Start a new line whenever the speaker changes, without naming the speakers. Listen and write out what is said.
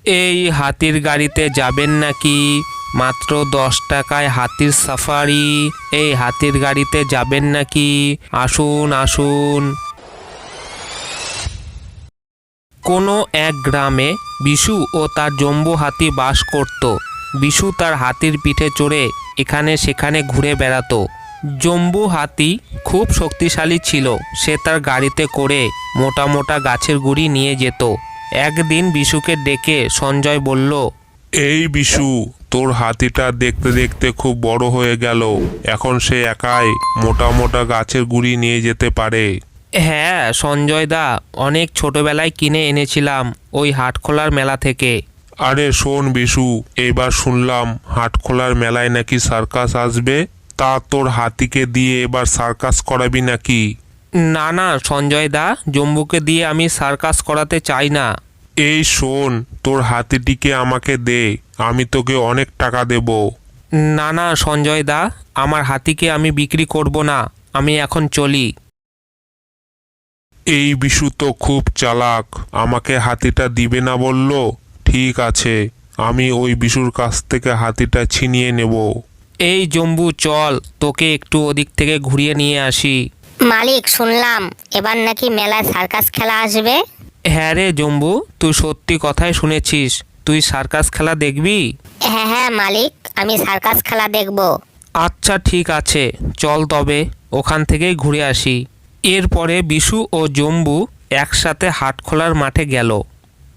এই হাতির গাড়িতে যাবেন নাকি? মাত্র 10 টাকায় হাতির সাফারি। এই হাতির গাড়িতে যাবেন নাকি? আসুন আসুন। কোনো এক গ্রামে বিশু ও তার জম্বু হাতি বাস করত। বিশু তার হাতির পিঠে চড়ে এখানে সেখানে ঘুরে বেড়াতো। জম্বু হাতি খুব শক্তিশালী ছিল। সে তার গাড়িতে করে মোটা মোটা গাছের গুঁড়ি নিয়ে যেত। একদিন বিশুকে ডেকে সঞ্জয় বলল,
এই বিশু, তোর হাতিটা দেখতে দেখতে খুব বড় হয়ে গেল। এখন সে একাই মোটা মোটা গাছের গুঁড়ি নিয়ে যেতে পারে।
হ্যাঁ সঞ্জয় দা, অনেক ছোটবেলায় কিনে এনেছিলাম ওই হাটখোলার মেলা থেকে।
আরে শোন বিশু, এবার শুনলাম হাটখোলার মেলায় নাকি সার্কাস আসবে। তা তোর হাতিকে দিয়ে এবার সার্কাস করাবি নাকি?
না না সঞ্জয় দা, জম্বুকে দিয়ে আমি সার্কাস করাতে চাই না।
এই শোন, তোর হাতিটিকে আমাকে দে, আমি তোকে অনেক টাকা দেব।
না না সঞ্জয় দা, আমার হাতিকে আমি বিক্রি করব না, আমি এখন চলি।
এই বিশু তো খুব চালাক, আমাকে হাতিটা দিবে না বলল। ঠিক আছে, আমি ওই বিশুর কাছ থেকে হাতিটা ছিনিয়ে নেব।
এই জম্বু চল, তোকে একটু ওদিক থেকে ঘুরিয়ে নিয়ে আসি।
মালিক, শুনলাম এবার নাকি মেলায় সার্কাস খেলা আসবে।
হ্যাঁ রে জম্বু, তুই সত্যি কথাই শুনেছিস। তুই সার্কাস খেলা দেখবি?
হ্যাঁ হ্যাঁ মালিক, আমি সার্কাস খেলা দেখব।
আচ্ছা ঠিক আছে, চল তবে ওখান থেকেই ঘুরে আসি। এরপরে বিশু ও জম্বু একসাথে হাটখোলার মাঠে গেল।